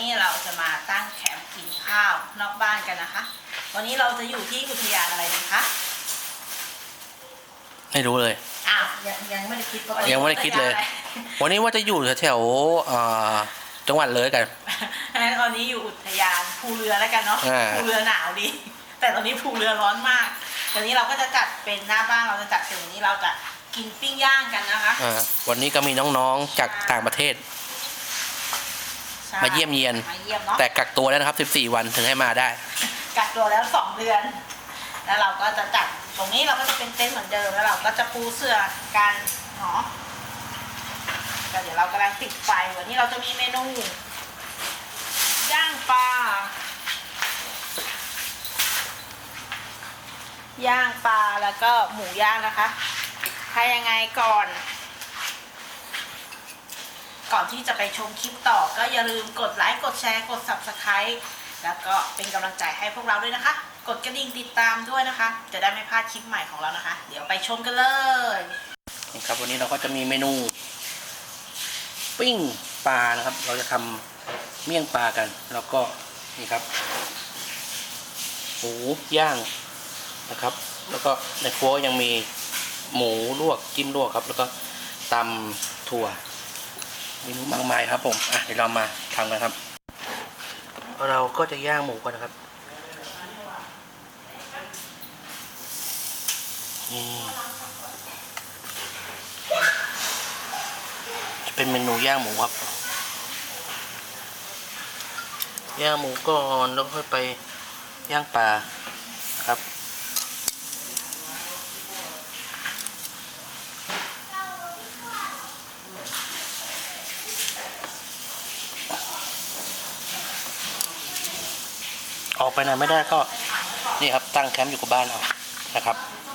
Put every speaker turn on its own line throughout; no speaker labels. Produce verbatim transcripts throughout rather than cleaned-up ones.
เราจะมาตั้งแคมป์กินข้าวนอกบ้านกันนะคะวันนี้เราจะอยู่ที่อุทยานอะไรดีคะ
ไม่รู้เลย
อ้าวยังยังไม่ได้คิดว่า
ยังไม่ได้คิดเลย วันนี้ว่าจะอยู่แถวๆจังหวัดเลยกัน
งั้นตอนนี้อยู่อุทยานภูเรือแล้วกันเนาะภูเรือหนาวดีแต่ตอนนี้ภูเรือร้อนมากตอนนี้เราก็จะจัดเป็นหน้าบ้านเราจะจัดเป็นวันนี้เราจะกินปิ้งย่างกันนะคะ
วันนี้ก็มีน้องๆจากต่างประเทศมาเยี่ยมเยียนแต่กักตัวแล้วนะครับสิบสี่วันถึงให้มาได้
กักตัวแล้วสองเดือนแล้วเราก็จะจัดตรงนี้เราก็จะเป็นเต็นท์เหมือนเดิมแล้วเราก็จะปูเสื่อกันเนาะก็เดี๋ยวเรากำลังติดไฟวันนี้เราจะมีเมนูย่างปลาย่างปลาแล้วก็หมูย่างนะคะถ้ายังไงก่อนก่อนที่จะไปชมคลิปต่อก็อย่าลืมกดไลค์กดแชร์กด ซับสไครบ์ แล้วก็เป็นกำลังใจให้พวกเราด้วยนะคะกดกระดิ่งติดตามด้วยนะคะจะได้ไม่พลาดคลิปใหม่ของเรานะคะเดี๋ยวไปชมกันเลย
นี่ครับวันนี้เราก็จะมีเมนูปิ้งปลานะครับเราจะทำเมี่ยงปลากันแล้วก็นี่ครับหมูย่างนะครับแล้วก็ในครัวยังมีหมูลวกจิ้มลวกครับแล้วก็ตำถั่วเมนูมากมายครับผมอ่ะเดี๋ยวเรามาทำกันครับเราก็จะย่างหมูก่อนนะครับนี่จะเป็นเมนูย่างหมูครับย่างหมูก่อนแล้วค่อยไปย่างปลาครับออกไปไหนไม่ได้ก็นี่ครับตั้งแคมป์อยู่กับบ้านเรานะครับ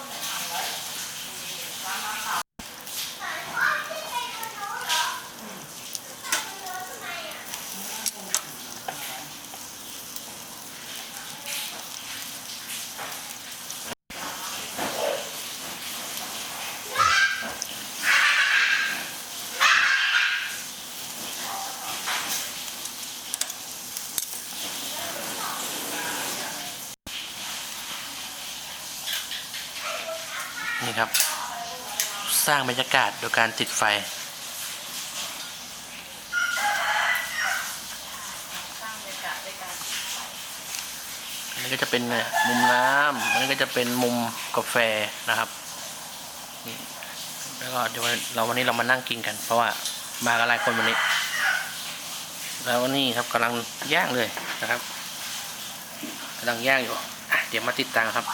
นี่ครับสร้างบรรยากาศโดยการติดไฟอันนี้ก็จะเป็นมุมน้ำอันนี้ก็จะเป็นมุมกาแฟนะครับนี่แล้วก็เดี๋ยวเราวันนี้เรามานั่งกินกันเพราะว่ามากันหลายคนวันนี้แล้วนี่ครับกำลังย่างเลยนะครับกำลังย่างอยู่อ่ะเดี๋ยวมาติดตามครับ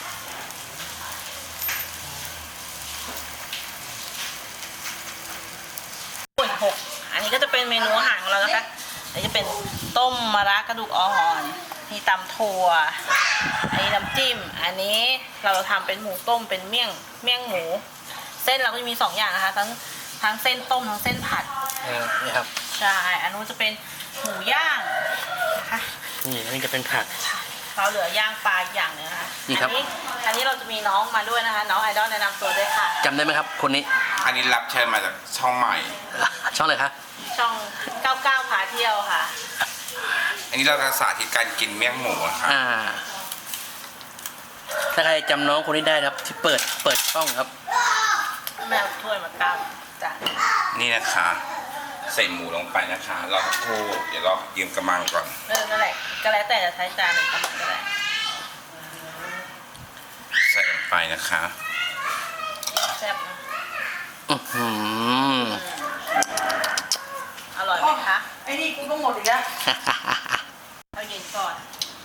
หกอันนี้ก็จะเป็นเมนูอาหารของเรานะคะอันนี้จะเป็นต้มมะระกระดูกอ่อนมีตำถั่วอันนี้น้ำจิ้มอันนี้เราทำเป็นหมูต้มเป็นเมี่ยงเมี่ยงหมูเส้นเราก็จะมีสองอย่างนะคะทั้งทั้งเส้นต้มทั้งเส้นผัด
นี่ครับ
ใช่อันนู้นจะเป็นหมูย่างนะคะ
นี่อันนี้จะเป็นผัด
เราเหลือย่างปลาอย่างนึงนะคะอันนี้อันนี้เราจะมีน้องมาด้วยนะคะน้องไอดอลแนะนำตัวด้วยค่ะ
จำได้ไหมครับคนนี้
อันนี้รับเชิญมาจากช่องใหม่
ช่องอะไรคะ
ช่องเก้าเก้าพาเที่ยวค่ะ
อันนี้เราจะสาธิตการกินเมี่ยงหมูครับ
อ่าถ้าใครจำน้องคนนี้ได้ครับที่เปิดเปิดช่องครับ
แม่ถ้วยมาตั้งจ้ะ
นี่นะคะใส่หมูลงไปนะคะรอสักครู่เดี๋ยวเรายืมกระมังก่อน
เออนั่นแหละก็แล้วแต่จะใช้จานหนึ่งกระมังก็ได้
ใส่ลงไปนะคะ
แซ่บนะ
อือหือ
อร่อยไหมคะไอ้นี่กูต้องหมดอีกแล้วเอาเย็นก่อน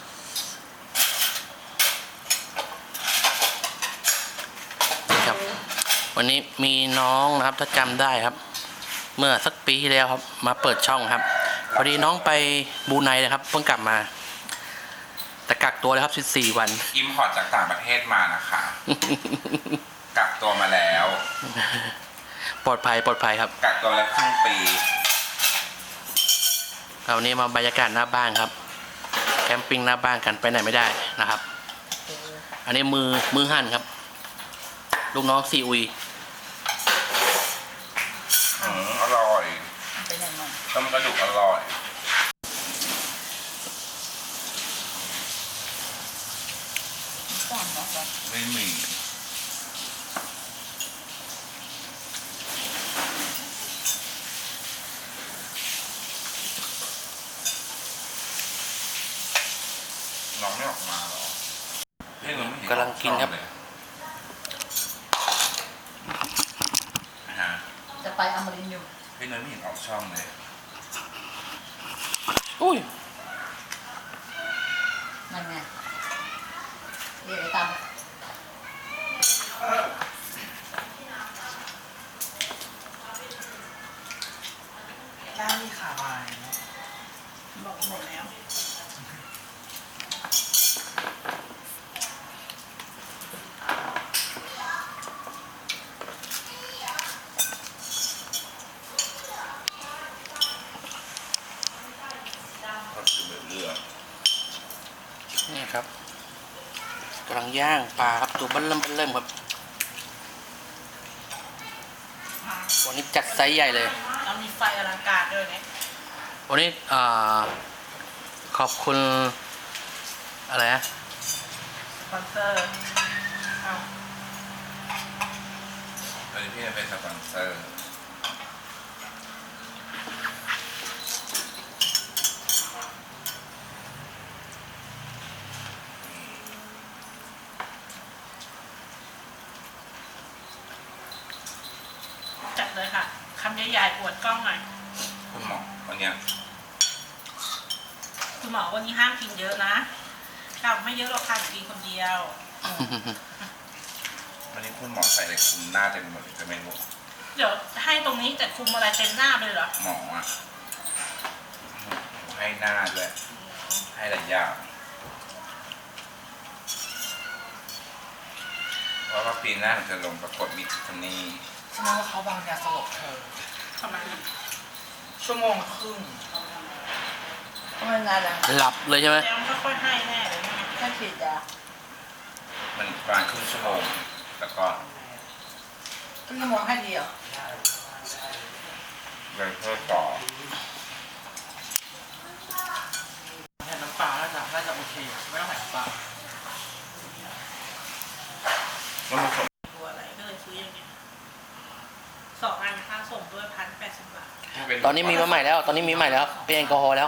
ครับวันนี้มีน้องนะครับถ้าจำได้ครับเมื่อสักปีที่แล้วครับมาเปิดช่องครับพอดีน้องไปบรูไนนะครับเพิ่งกลับมาแต่กักตัวแล้วครับสิบสี่วัน
อิมพอร์ตจากต่างประเทศมานะคะกักตัวมาแล้ว
ปลอดภัยปลอดภัยครับ
กักตัวแล้วครึ่งปี
วันนี้มาบรรยากาศหน้าบ้านครับแคมปิ้งหน้าบ้านกันไปไหนไม่ได้นะครับอันนี้มือมือหั่นครับลูกน้องซีอุย
อืมอร่อยต้มกระดูกอร่อยไม่มีน้องไม่ออกมาหรอเฮ้ยเราไม่เห็น
กำลังกินครับ
เลยนะฮะ
จะไปอมรินทร์อยู่
เฮ้ยเราไม่เห็นออกช่องเลย
อุ้ย
นั่นไงเรียกไอ้ตาม
ด้านมีขาบาย
บอกหมดแล้ว
ก็คือแบบเลือด
นี่ครับกำลังย่างปลาครับตัวเบิ้ลเริ่มเบิ้ลเริ่มครับวันนี้จัดไซส์ใหญ่เลย
แล้วมีไฟอลังการด้วยเนี่ย
วันนี้อ่าขอบคุณอะไรนะ
สปอนเซอร์เอา
ตอนนี้พี่จะเป็นสปอนเซอร์
จัดเลยค่ะคำใหญ่ๆปวดกล้องหน่อย
คุณหมอวันเนี้ย
คุณหมอวันนี้ห้ามกินเยอะนะกลับไม่เยอะหรอกค่ะกินคนเดียว
วันนี้คุณหมอใส่อะไรคุมหน้าเต็มหมดเลยจะไม่รู้
เดี๋ยวให้ตรงนี้แต่คุมอะไรเต็มหน้าไปเลยเหรอ
หมออ่ะให้หน้าด้วยให้หลายอย่างเพราะว่าปีหน้าจะลงประกวดมิสทิฟฟานี่
แสดงว่าเขาวางยาสลบเธอ
ทำไมนะ
ชั่วโมงครึ่ง
ก็ไม่นานแล้ว
หลับเลยใช่ไหม
แล้วมันก็ค่อยให้แน่เลยนะ
แค่ฉีดยา
มันประมาณครึ่งชั่วโมงแล้วก็
ครึ่งชั่วโมงให้ดีเหรอ
เลยเพิ่มต่อ
แทนน้ำปลาน่าจะน่าจะโอเค ไม่ต้องใส่น้ำปลา
แล้วมันสม
ตัวอะไรก็เลยซื้ออย่างเงี้ยสองอันค่าส่งด้วยพันแปดสิบบาท
ตอนนี้มีมาใหม่แล้ว ตอนนี้มีใหม่แล้วครับเป็นแอลกอฮอล์แล้ว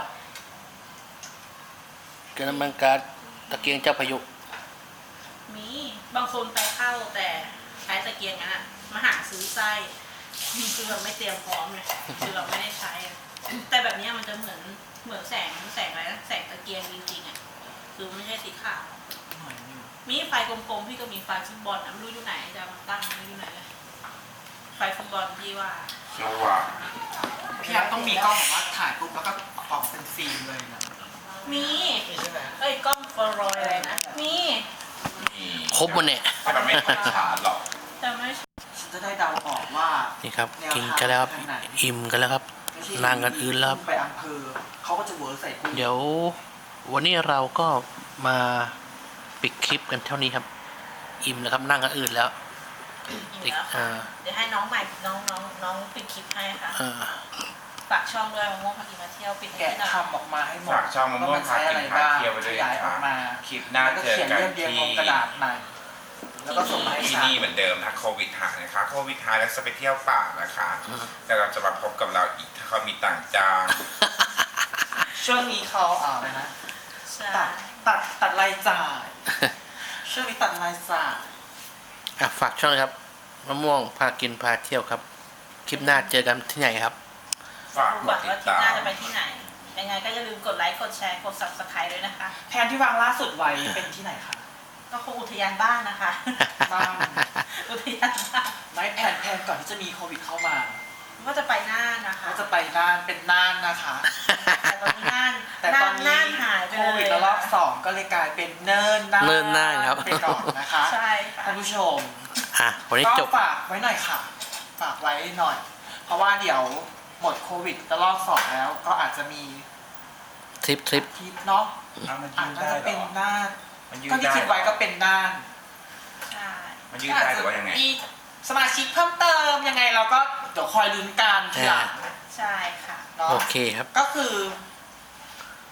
เกลือน้ำมันก๊าซตะเกียงเจ้าพายุ
มีบางคนไปเข้าแต่ใช้ตะเกียงนั้นอะมาหาซื้อไส้คือเราไม่เตรียมพร้อมเลยคือเราไม่ได้ใช้อะแต่แบบเนี้ยมันจะเหมือนเหมือนแสงแสงอะไรนะแสงตะเกียงจริงๆอ่ะคือไม่ใช่สีขาว
หน่อยนึง
มีไฟกลมๆพี่ก็มีไฟฟุตบอลนะไม่รู้อยู่ไหนจะเอามาตั้งไม่รู้อยู่ไหนเลยไฟฟุตบอลที่ว่า
สว่าง
พี่แอฟต้องมีกล้องแบบว่าถ่ายปุ๊บแล้วก็ออกเป็นฟิล์มเลยนะ
มี
มีใช่ไหม
เอ้ยกล้องฟลอรอยด์อะไรนะมี
มี
ครบมันเนี่ย
แต่มันไม่ค่อยขาดหรอก
แต่ไม่
ฉันจะได้เดาออกว่า
นี่ครับ กินกันแล้วครับอิ่มกันแล้วครับ
ไม่ใช่
นั่งกันอื่นแล้วครับ
ไปอำเภอเขาก็จะเวิร์กใส่กุ้ง
เดี๋ยววันนี้เราก็มาปิดคลิปกันเท่านี้ครับ อิ่มแล้วครับนั่งกันอื่นแล้ว
อีกแล้วค่ะเดี๋ยวให้น้องใหม่น้องน้องน้องปิดคลิปให้ค่ะ
อ่า
ฝากช่องด้วยมะม่วงพากินมาเที่ยวปิดให้
แกะ
หน่อย
ทำออกมาให้หมด
ฝากช่องมะม่วงพากินพาเที่ยวไปด้วย
ขยายอ
ค่ะ
อกมา
คลิปหน้า
แล้วก็
เจอ
เขียน
กัน
เรียบเรียง
ที่
ลงกระดาษใหม่แล้วก็ส่งมาให้
ที่
ฉัน
นี่เหมือนเดิมถ้าโควิดหายนะคะโควิดหายแล้วจะไปเที่ยวป่านะคะแต่เราจะมาพบกับเราอีกถ้าเขามีต่างจ้าง
ช่วงนี้เขาอ่าอะไรนะ
ใช่
ตัดตัดตัดรายจ่ายช่วงนี้ตัดรายจ่าย
อ่ะฝากช่องเลยครับมะม่วงพากินพาเที่ยวครับ คลิปหน้าเจอกันที่ไหนครับ
ฝาก
ดู
ก
ก่อ
ด
น
ติ
ว่า
ด
ที่
ตา
หน้าม จะไปที่ไหน ยังไงก็อย่าลืมกดไลค์กดแชร์กด ซับสไครบ์ด้วยนะคะ
แผนที่วางล่าสุดไว้เป็นที่ไหนคะ
ก็คงอุทยานบ้านนะคะ
บ้าน
อุทยานบ้าน
ไม่แผนแผนก่อนที่จะมีโควิดเข้ามา
ก็จะไปน่านนะคะ
ก็จะไปน่านเป็นน่านนะคะ
แต่ตอนนี้น่าน
แต่ตอนนี้
น่านหายไป
โค
เลย
วิดระลอกสองก็เลยกลายเป็นเนินน่าน
เนินน่านครับ
ไปก่อนนะคะ
ใช่ค่ะ
ท่านผู้ชม
อ่ะวันนี้
ก็
จบ
ฝากไว้หน่อยค่ะ ฝากไว้หน่อย เพราะว่าเดี๋ยวหมดโควิดระลอกสองแล้ว ก็อาจจะมี
ทริปทริป
ทริปเนาะ
อ่ะมัน
อา
ยื
จ
ดได้
จะ
เหร
เป็น
อ
น่าน
มันยืด
ก็ที่
ได้
คิดไว้ก็เป็นน่าน
ใช่
มันยืดได้หรือว่ายังไง
มีสมาชิกเพิ่มเติมยังไงเราก็เดี๋ยวคอยลุ้นกันทีหลัง
ใช่ค่ะ
เนาะ
โอเคครับ
ก็คือ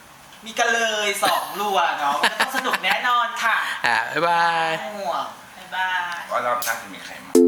มีกันเลยสองรัวเนาะมันก็ต้องสนุกแน่นอนค่ะ
อ่าบ๊ายบาย
ห่วง
บ๊ายบาย
ว่ารอบหน้าจะมีใครมา